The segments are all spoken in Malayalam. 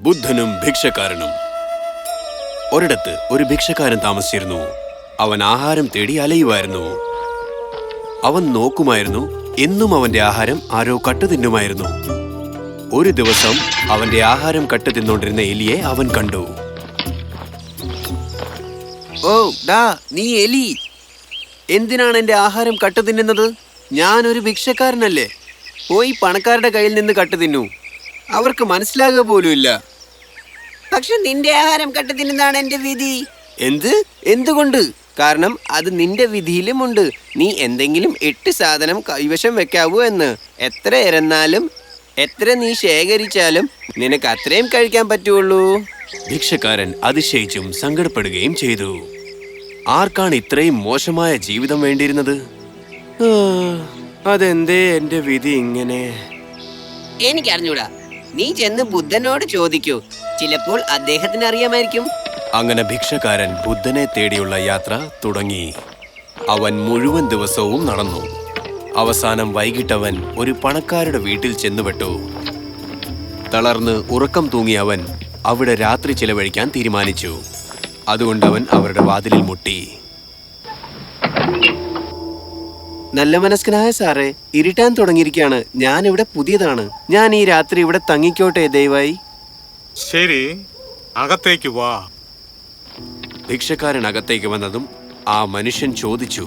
ബുദ്ധനും ഭിക്ഷക്കാരനും. ഒരിടത്ത് ഒരു ഭിക്ഷക്കാരൻ താമസിച്ചിരുന്നു. അവൻ ആഹാരം തേടി അലയുമായിരുന്നു. അവൻ നോക്കുമായിരുന്നു, എന്നും അവന്റെ ആഹാരം ആരോ കട്ടുതിന്നുമായിരുന്നു. ഒരു ദിവസം അവന്റെ ആഹാരം കട്ടുതിന്നോണ്ടിരുന്ന എലിയെ അവൻ കണ്ടു. ഓ ഡാ, നീ എലി, എന്തിനാണ് എന്റെ ആഹാരം കട്ടുതിന്നുന്നത്? ഞാനൊരു ഭിക്ഷക്കാരനല്ലേ. പോയി പണക്കാരുടെ കയ്യിൽ നിന്ന് കട്ടുതിന്നു. അവർക്ക് മനസ്സിലാകുക പോലുമില്ല. പക്ഷെ നിന്റെ ആഹാരം കട്ടുതിന്നുന്നതാണ് എന്റെ വിധി. എന്തുകൊണ്ട്? കാരണം അത് നിന്റെ വിധിയിലുമുണ്ട്. നീ എന്തെങ്കിലും 8 സാധനം കൈവശം വെക്കാവൂ എന്ന്. എത്ര ഇരന്നാലും എത്ര നീ ശേഖരിച്ചാലും നിനക്ക് അത്രയും കഴിക്കാൻ പറ്റുള്ളൂ. ഭിക്ഷക്കാരൻ അതിശയിച്ചും സങ്കടപ്പെടുകയും ചെയ്തു. ആർക്കാണ് ഇത്രയും മോശമായ ജീവിതം വേണ്ടിയിരുന്നത്? അതെന്തേ എന്റെ വിധി ഇങ്ങനെ? എനിക്കറിഞ്ഞൂടാ. നീ ചെന്ന് ബുദ്ധനോട് ചോദിക്കൂ. ചിലപ്പോൾ അദ്ദേഹത്തിന് അറിയാമായിരിക്കും. അങ്ങനെ ഭിക്ഷക്കാരൻ ബുദ്ധനെ തേടിയുള്ള യാത്ര തുടങ്ങി. അവൻ മുഴുവൻ ദിവസവും നടന്നു. അവസാനം വൈകിട്ടവൻ ഒരു പണക്കാരുടെ വീട്ടിൽ ചെന്നുപെട്ടു. തളർന്ന് ഉറക്കം തൂങ്ങി അവൻ അവിടെ രാത്രി ചിലവഴിക്കാൻ തീരുമാനിച്ചു. അതുകൊണ്ട് അവൻ അവരുടെ വാതിലിൽ മുട്ടി. നല്ല മനസ്കനായ സാറേ, ഇരുട്ടാൻ തുടങ്ങിയിരിക്കുകയാണ്. ഞാൻ ഇവിടെ പുതിയതാണ്. ഞാൻ ഈ രാത്രി ഇവിടെ തങ്ങിക്കോട്ടെ ദയവായി. ശരി, അകത്തേക്ക് വാ. ഭിക്ഷക്കാരൻ അകത്തേക്ക് വന്നതും ആ മനുഷ്യൻ ചോദിച്ചു,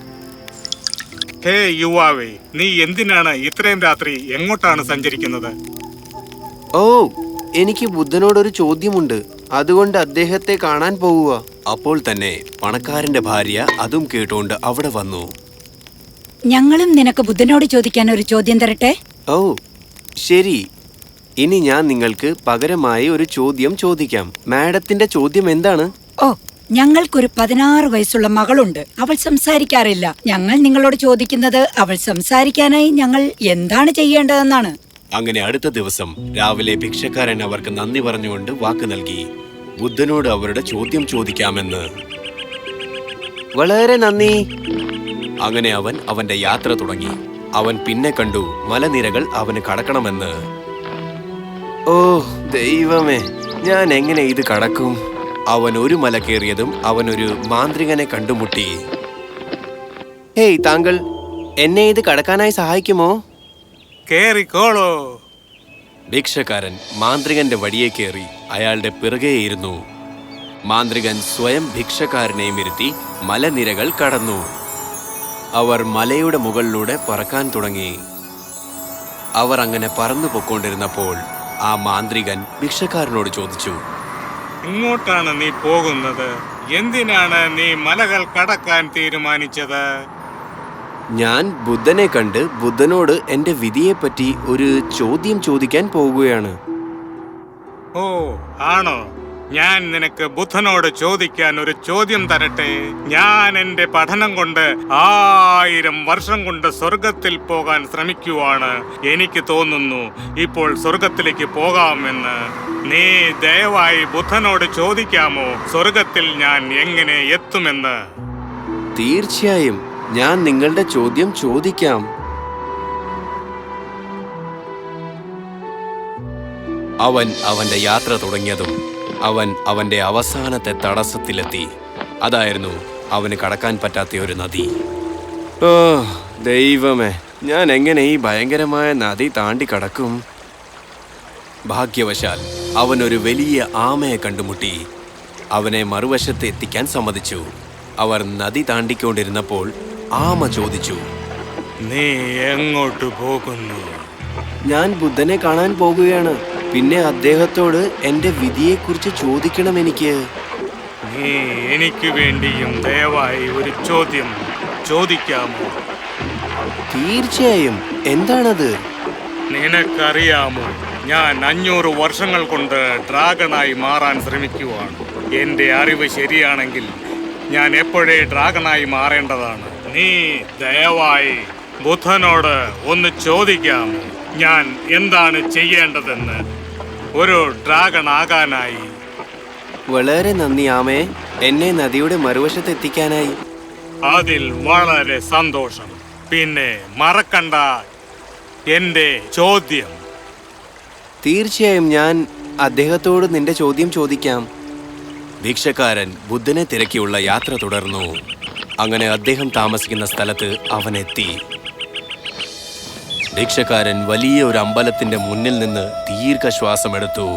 ഹേ യുവാവേ, നീ എന്തിനാണ് ഇത്രയും രാത്രി എങ്ങോട്ടാണ് സഞ്ചരിക്കുന്നത്? ഓ, എനിക്ക് ബുദ്ധനോടൊരു ചോദ്യമുണ്ട്. അതുകൊണ്ട് അദ്ദേഹത്തെ കാണാൻ പോവുക. അപ്പോൾ തന്നെ പണക്കാരന്റെ ഭാര്യ അതും കേട്ടുകൊണ്ട് അവിടെ വന്നു. ഞങ്ങളും നിനക്ക് ബുദ്ധനോട് ചോദിക്കാൻ ഒരു ചോദ്യം തരട്ടെ? ഓ ശരി, ഇനി ഞാൻ നിങ്ങൾക്ക് പകരമായി ഒരു ചോദ്യം ചോദിക്കാം. മാഡത്തിന്റെ ചോദ്യം എന്താണ്? ഓ, ഞങ്ങൾക്കൊരു 16 വയസ്സുള്ള മകളുണ്ട്. അവൾ സംസാരിക്കാറില്ല. ഞങ്ങൾ നിങ്ങളോട് ചോദിക്കുന്നത് അവൾ സംസാരിക്കാനായി ഞങ്ങൾ എന്താണ് ചെയ്യേണ്ടതെന്നാണ്. അങ്ങനെ അടുത്ത ദിവസം രാവിലെ ഭിക്ഷക്കാരൻ അവർക്ക് നന്ദി പറഞ്ഞുകൊണ്ട് വാക്ക് നൽകി ബുദ്ധനോട് അവരുടെ ചോദ്യം ചോദിക്കാമെന്ന്. വളരെ നന്ദി. അങ്ങനെ അവൻ അവന്റെ യാത്ര തുടങ്ങി. അവൻ പിന്നെ കണ്ടു മലനിരകൾ അവന് കടക്കണമെന്ന്. ഓ ദൈവമേ, ഞാൻ എങ്ങനെ ഇത് കടക്കും? അവൻ ഒരു മല കയറിയതും അവനൊരു മാന്ത്രികനെ കണ്ടുമുട്ടി. ഹേയ്, താങ്കൾ എന്നെ ഇത് കടക്കാനായി സഹായിക്കുമോ? കേറിക്കോളൂ. ഭിക്ഷക്കാരൻ മാന്ത്രികന്റെ വടിയെ കയറി അയാളുടെ പിറകെയിരുന്നു. മാന്ത്രികൻ സ്വയം ഭിക്ഷക്കാരനെയും ഇരുത്തി മലനിരകൾ കടന്നു. അവർ മലയുടെ മുകളിലൂടെ പറക്കാൻ തുടങ്ങി. അവർ അങ്ങനെ പറന്നു പൊക്കൊണ്ടിരുന്നപ്പോൾ ആ മാന്ത്രികൻ ഭിക്ഷക്കാരനോട് ചോദിച്ചു, ഇങ്ങോട്ടാണ് നീ പോകുന്നത്? എന്തിനാണ് നീ മലകൾ കടക്കാൻ തീരുമാനിച്ചത്? ഞാൻ ബുദ്ധനെ കണ്ട് ബുദ്ധനോട് എന്റെ വിധിയെപ്പറ്റി ഒരു ചോദ്യം ചോദിക്കാൻ പോകുകയാണ്. ഓ ആണോ? ഞാൻ നിനക്ക് ബുദ്ധനോട് ചോദിക്കാൻ ഒരു ചോദ്യം തരട്ടെ. ഞാൻ എന്റെ പഠനം കൊണ്ട് 1000 വർഷം കൊണ്ട് സ്വർഗത്തിൽ പോകാൻ ശ്രമിക്കുവാണ്. എനിക്ക് തോന്നുന്നു ഇപ്പോൾ സ്വർഗത്തിലേക്ക് പോകാമെന്ന്. നീ ദയവായി ബുദ്ധനോട് ചോദിക്കാമോ സ്വർഗത്തിൽ ഞാൻ എങ്ങനെ എത്തുമെന്ന്? തീർച്ചയായും ഞാൻ നിങ്ങളുടെ ചോദ്യം ചോദിക്കാം. അവൻ അവന്റെ യാത്ര തുടങ്ങിയതും അവൻ അവന്റെ അവസാനത്തെ തടസ്സത്തിലെത്തി. അതായിരുന്നു അവന് കടക്കാൻ പറ്റാത്ത ഒരു നദി. ഓ ദൈവമേ, ഞാൻ എങ്ങനെ ഈ ഭയങ്കരമായ നദി താണ്ടി കടക്കും? ഭാഗ്യവശാൽ അവൻ ഒരു വലിയ ആമയെ കണ്ടുമുട്ടി. അവനെ മറുവശത്ത് എത്തിക്കാൻ സമ്മതിച്ചു. അവർ നദി താണ്ടിക്കൊണ്ടിരുന്നപ്പോൾ ആമ ചോദിച്ചു, നീ എങ്ങോട്ട് പോകുന്നു? ഞാൻ ബുദ്ധനെ കാണാൻ പോകുകയാണ്. പിന്നെ അദ്ദേഹത്തോട് എന്റെ വിധിയെക്കുറിച്ച് ചോദിക്കണം എനിക്ക്. നീ എനിക്ക് വേണ്ടിയും ദയവായി ഒരു ചോദ്യം ചോദിക്കാമോ? തീർച്ചയായും. എന്താണത്? നിനക്കറിയാമോ, ഞാൻ 500 വർഷങ്ങൾ കൊണ്ട് ഡ്രാഗണായി മാറാൻ ശ്രമിക്കുവാണ്. എന്റെ അറിവ് ശരിയാണെങ്കിൽ ഞാൻ എപ്പോഴേ ഡ്രാഗണായി മാറേണ്ടതാണ്. നീ ദയവായി ബുദ്ധനോട് ഒന്ന് ചോദിക്കാമോ ഞാൻ എന്താണ് ചെയ്യേണ്ടതെന്ന് ഒരു ഡ്രാഗൺ ആകാനായി? വളരെ നന്ദി ആമേ, എന്നെ നദിയുടെ മറുവശത്ത് എത്തിക്കാനായി. അതിൽ വളരെ സന്തോഷം. പിന്നെ മറക്കണ്ട എന്റെ ചോദ്യം. തീർച്ചയായും ഞാൻ അദ്ദേഹത്തോട് നിന്റെ ചോദ്യം ചോദിക്കാം. ഭിക്ഷക്കാരൻ ബുദ്ധനെ തിരക്കിയുള്ള യാത്ര തുടർന്നു. അങ്ങനെ അദ്ദേഹം താമസിക്കുന്ന സ്ഥലത്ത് അവനെത്തി. ഭിക്ഷക്കാരൻ വലിയ ഒരു അമ്പലത്തിന്റെ മുന്നിൽ നിന്ന് ദീർഘശ്വാസമെടുത്തു.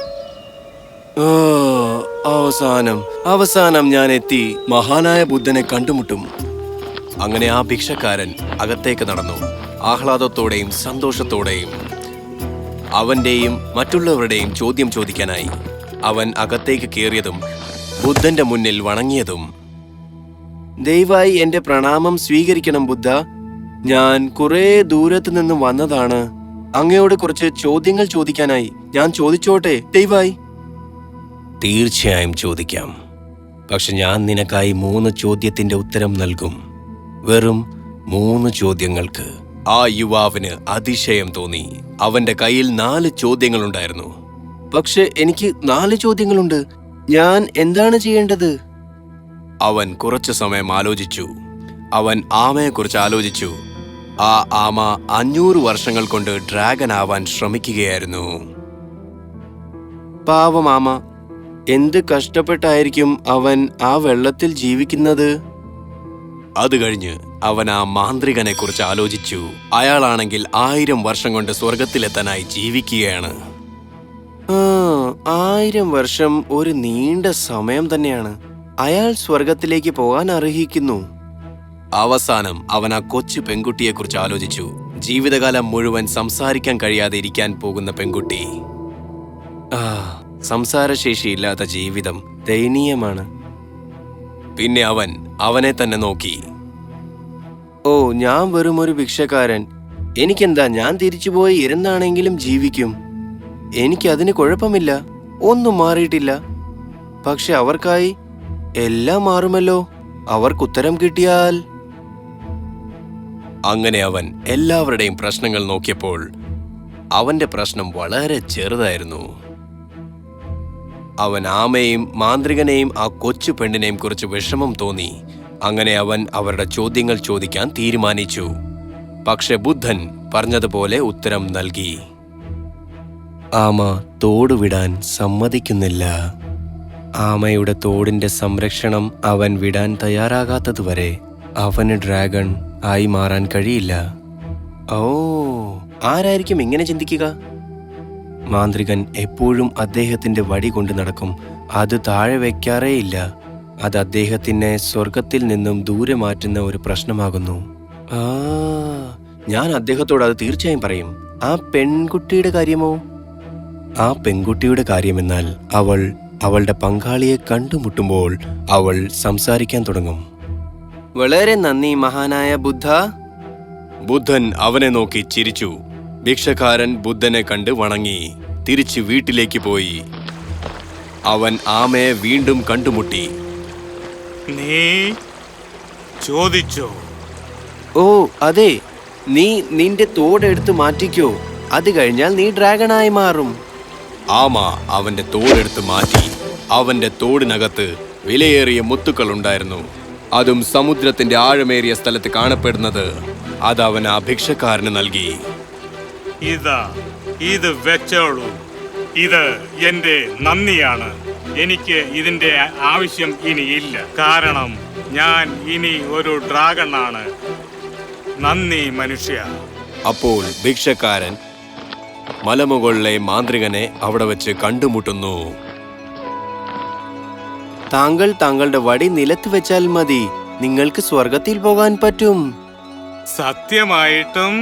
അവസാനം ഞാൻ എത്തി. മഹാനായ ബുദ്ധനെ കണ്ടുമുട്ടും. അങ്ങനെ ആ ഭിക്ഷക്കാരൻ അകത്തേക്ക് നടന്നു, ആഹ്ലാദത്തോടെയും സന്തോഷത്തോടെയും. അവന്റെയും മറ്റുള്ളവരുടെയും ചോദ്യം ചോദിക്കാനായി അവൻ അകത്തേക്ക് കയറിയതും ബുദ്ധന്റെ മുന്നിൽ വണങ്ങിയതും. ദയവായി എന്റെ പ്രണാമം സ്വീകരിക്കണം ബുദ്ധ. ഞാൻ കുറെ ദൂരത്ത് നിന്ന് വന്നതാണ്. അങ്ങയോട് കുറച്ച് ചോദ്യങ്ങൾ ചോദിക്കാനായി. ഞാൻ ചോദിച്ചോട്ടെ ദയവായി? തീർച്ചയായും ചോദിക്കാം. പക്ഷെ ഞാൻ നിനക്കായി 3 ചോദ്യത്തിന്റെ ഉത്തരം നൽകും. വെറും 3 ചോദ്യങ്ങൾക്ക്. ആ യുവാവിന് അതിശയം തോന്നി. അവന്റെ കയ്യിൽ 4 ചോദ്യങ്ങളുണ്ടായിരുന്നു. പക്ഷെ എനിക്ക് 4 ചോദ്യങ്ങളുണ്ട്. ഞാൻ എന്താണ് ചെയ്യേണ്ടത്? അവൻ കുറച്ചു സമയം ആലോചിച്ചു. അവൻ ആമയെക്കുറിച്ച് ആലോചിച്ചു. ആ ആമ 500 വർഷങ്ങൾ കൊണ്ട് ഡ്രാഗൺ ആവാൻ ശ്രമിക്കുകയായിരുന്നു. പാവം ആമ. എന്ത് കഷ്ടപ്പെട്ടായിരിക്കും അവൻ ആ വെള്ളത്തിൽ ജീവിക്കുന്നത്? അത് കഴിഞ്ഞ് അവൻ ആ മാന്ത്രികനെ കുറിച്ച് ആലോചിച്ചു. അയാളാണെങ്കിൽ 1000 വർഷം കൊണ്ട് സ്വർഗത്തിലെത്താനായി ജീവിക്കുകയാണ്. 1000 വർഷം ഒരു നീണ്ട സമയം തന്നെയാണ്. അയാൾ സ്വർഗത്തിലേക്ക് പോകാൻ അർഹിക്കുന്നു. അവസാനം അവൻ ആ കൊച്ചു പെൺകുട്ടിയെക്കുറിച്ച് ആലോചിച്ചു. ജീവിതകാലം മുഴുവൻ സംസാരിക്കാൻ കഴിയാതെ ഇരിക്കാൻ പോകുന്ന പെൺകുട്ടി. സംസാരശേഷിയില്ലാത്ത ജീവിതം ദയനീയമാണ്. പിന്നെ അവൻ അവനെ തന്നെ നോക്കി. ഓ, ഞാൻ വെറും ഒരു ഭിക്ഷക്കാരൻ. എനിക്കെന്താ, ഞാൻ തിരിച്ചുപോയി ഇരുന്നാണെങ്കിലും ജീവിക്കും. എനിക്കതിന് കുഴപ്പമില്ല. ഒന്നും മാറിയിട്ടില്ല. പക്ഷെ അവർക്കായി എല്ലാം മാറുമല്ലോ. അവർക്കുത്തരം കിട്ടിയാൽ. അങ്ങനെ അവൻ എല്ലാവരുടെയും പ്രശ്നങ്ങൾ നോക്കിയപ്പോൾ അവന്റെ പ്രശ്നം വളരെ ചെറുതായിരുന്നു. അവൻ ആമയെയും മാന്ത്രികനെയും ആ കൊച്ചു പെണ്ണിനെയും കുറിച്ച് വിഷമം തോന്നി. അങ്ങനെ അവൻ അവരുടെ ചോദ്യങ്ങൾ ചോദിക്കാൻ തീരുമാനിച്ചു. പക്ഷെ ബുദ്ധൻ പറഞ്ഞതുപോലെ ഉത്തരം നൽകി. ആമ തോട് വിടാൻ സമ്മതിക്കുന്നില്ല. ആമയുടെ തോടിന്റെ സംരക്ഷണം അവൻ വിടാൻ തയ്യാറാകാത്തതുവരെ അവന് ഡ്രാഗൺ ആയി മാറാൻ കഴിയില്ല. ഓ, ആരായിരിക്കും ഇങ്ങനെ ചിന്തിക്കുക? മാന്ത്രികൻ എപ്പോഴും അദ്ദേഹത്തിന്റെ വടി കൊണ്ട് നടക്കും. അത് താഴെ വെക്കാറേയില്ല. അത് അദ്ദേഹത്തിനെ സ്വർഗത്തിൽ നിന്നും ദൂരെ മാറ്റുന്ന ഒരു പ്രശ്നമാകുന്നു. ഞാൻ അദ്ദേഹത്തോട് അത് തീർച്ചയായും പറയും. ആ പെൺകുട്ടിയുടെ കാര്യമോ? ആ പെൺകുട്ടിയുടെ കാര്യമെന്നാൽ അവൾ അവളുടെ പങ്കാളിയെ കണ്ടുമുട്ടുമ്പോൾ അവൾ സംസാരിക്കാൻ തുടങ്ങും. വളരെ നന്ദി മഹാനായ ബുദ്ധ. ബുദ്ധൻ അവനെ നോക്കി ചിരിച്ചു. ഭിക്ഷക്കാരൻ ബുദ്ധനെ കണ്ട് വണങ്ങി തിരിച്ച് വീട്ടിലേക്ക് പോയി. അവൻ ആമയെ വീണ്ടും കണ്ടുമുട്ടി. നീ ചോദിച്ചോ? ഓ അതെ, നീ നിന്റെ തോടെടുത്ത് മാറ്റിക്കോ. അത് കഴിഞ്ഞാൽ നീ ഡ്രാഗണായി മാറും. ആമ അവന്റെ തോടെടുത്ത് മാറ്റി. അവന്റെ തോടിനകത്ത് വിലയേറിയ മുത്തുക്കൾ ഉണ്ടായിരുന്നു. അതും സമുദ്രത്തിന്റെ ആഴമേറിയ സ്ഥലത്ത് കാണപ്പെടുന്നത്. അത് അവൻ ആ ഭിക്ഷക്കാരന് നൽകി. ഇത് വെച്ചോളൂ. ഇത് എന്റെ നന്ദിയാണ്. എനിക്ക് ഇതിന്റെ ആവശ്യം ഇനിയില്ല. കാരണം ഞാൻ ഇനി ഒരു ഡ്രാഗൺ ആണ്. നന്ദി മനുഷ്യ. അപ്പോൾ ഭിക്ഷക്കാരൻ മലമുകളിലെ മാന്ത്രികനെ അവിടെ വെച്ച് കണ്ടുമുട്ടുന്നു. താങ്കൾ താങ്കളുടെ വടി നിലത്ത് വെച്ചാൽ മതി. നിങ്ങൾക്ക് സ്വർഗത്തിൽ പോകാൻ പറ്റും. സത്യമായിട്ടും?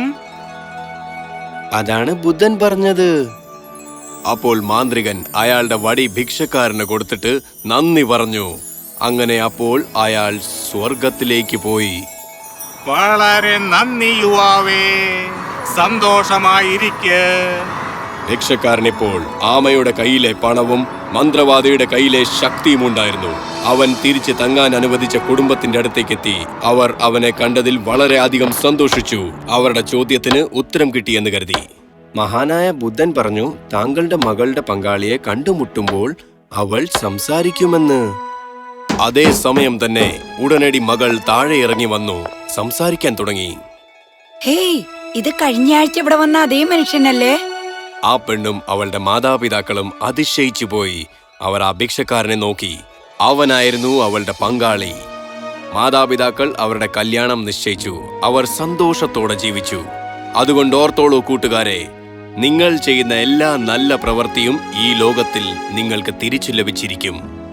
അതാണ് ബുദ്ധൻ പറഞ്ഞത്. അപ്പോൾ മാന്ത്രികൻ അയാളുടെ വടി ഭിക്ഷക്കാരന് കൊടുത്തിട്ട് നന്ദി പറഞ്ഞു. അങ്ങനെ അപ്പോൾ അയാൾ സ്വർഗത്തിലേക്ക് പോയി. വളരെ നന്ദി യുവാവേ. സന്തോഷമായിരിക്കെ. ഭിക്ഷക്കാരനിപ്പോൾ ആമയുടെ കയ്യിലെ പണവും മന്ത്രവാദിയുടെ കയ്യിലെ ശക്തിയും ഉണ്ടായിരുന്നു. അവൻ തിരിച്ച് തങ്ങാൻ അനുവദിച്ച കുടുംബത്തിന്റെ അടുത്തേക്കെത്തി. അവർ അവനെ കണ്ടതിൽ വളരെ അധികം സന്തോഷിച്ചു. അവരുടെ ചോദ്യത്തിന് ഉത്തരം കിട്ടിയെന്ന് കരുതി. മഹാനായ ബുദ്ധൻ പറഞ്ഞു, താങ്കളുടെ മകളുടെ പങ്കാളിയെ കണ്ടുമുട്ടുമ്പോൾ അവൾ സംസാരിക്കുമെന്ന്. അതേ സമയം തന്നെ ഉടനടി മകൾ താഴെ ഇറങ്ങി വന്നു സംസാരിക്കാൻ തുടങ്ങി. ഹേയ്, ഇത് കഴിഞ്ഞ ആഴ്ച ഇവിടെ വന്ന അതേ മനുഷ്യനല്ലേ? ആ പെണ്ണും അവളുടെ മാതാപിതാക്കളും അതിശയിച്ചു പോയി. അവർ ആ ഭിക്ഷക്കാരനെ നോക്കി. അവനായിരുന്നു അവളുടെ പങ്കാളി. മാതാപിതാക്കൾ അവരുടെ കല്യാണം നിശ്ചയിച്ചു. അവർ സന്തോഷത്തോടെ ജീവിച്ചു. അതുകൊണ്ട് ഓർത്തോളൂ കൂട്ടുകാരെ, നിങ്ങൾ ചെയ്യുന്ന എല്ലാ നല്ല പ്രവൃത്തിയും ഈ ലോകത്തിൽ നിങ്ങൾക്ക് തിരിച്ചു ലഭിച്ചിരിക്കും.